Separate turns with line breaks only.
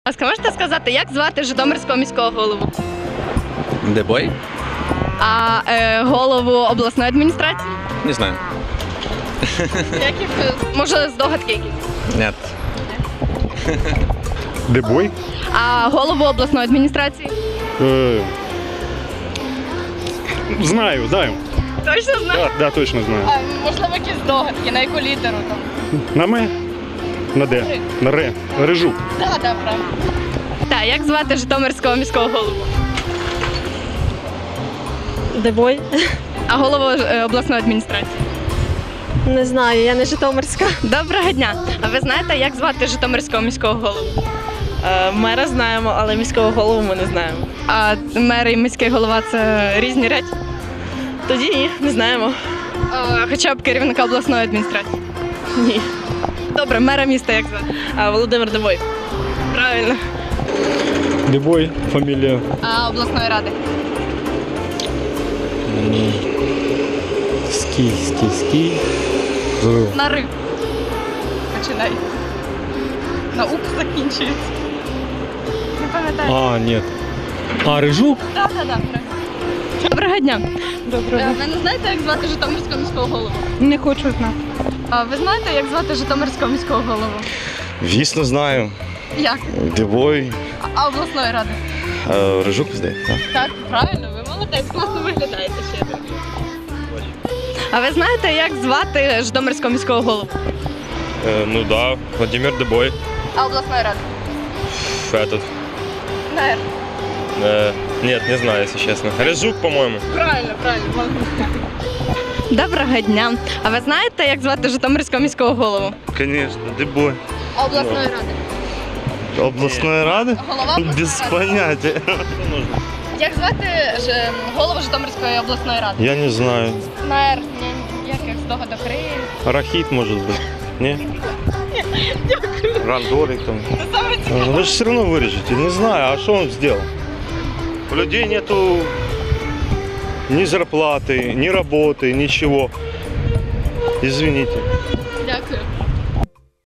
Можете сказати, як звати Житомирського міського голову?
Дебой?
А голову обласної адміністрації?
Не знаю.
Може, здогадки якісь?
Нет.
Дебой?
А голову обласної адміністрації?
Знаю.
Точно знаю?
Да, точно знаю.
Можливо, якісь здогадки, на яку літеру там?
На М? На Д? На Р? Рижук.
Так, правильно. Так, як звати Житомирського міського голову?
Дебой?
А голову обласної адміністрації?
Не знаю, я не Житомирська.
Доброго дня. А ви знаєте, як звати Житомирського міського голову?
Мера знаємо, але міського голову ми не знаємо.
А мер і міський голова це різні речі?
Тоді ні, не знаємо.
Хоча б керівника обласної адміністрації?
Ні.
Добре, мера міста як звати?
Володимир Дебой.
Правильно.
Дебой, фамілія.
А обласної ради?
Ский.
На Р. Починай. На Ук закінчується. Не пам'ятаю.
Ні. Рижук?
Так. Доброго дня.
Доброго.
Ви не знаєте, як звати Житомирського міського голову?
Не хочу знати.
А ви знаєте, як звати Житомирського міського голову?
Звісно, знаю.
Як?
Дебой.
А обласної ради?
Рижук, здається.
Так, правильно, ви молодець, класно виглядаєте ще. А ви знаєте, як звати Житомирського міського голову?
Ну да, Владимир Дебой.
А обласної ради?
Этот.
На Р.
Нет, не знаю, если честно. Рыжук, по-моему.
Правильно, молодець. Доброго дня. А ви знаєте, як звати Житомирського міського голову?
Конечно, Дебой.
А обласної ради?
Областной рады?
Голова обласної
Без
ради.
понятия.
Як звати голову Житомирської обласної ради?
Я не знаю.
На Р. Яких здогадок Ри?
Рахит, может быть. Не? Рандорик там. Вы же все равно вырежете. Не знаю, а что он сделал? У людей нету ни зарплаты, ни работы, ничего. Извините.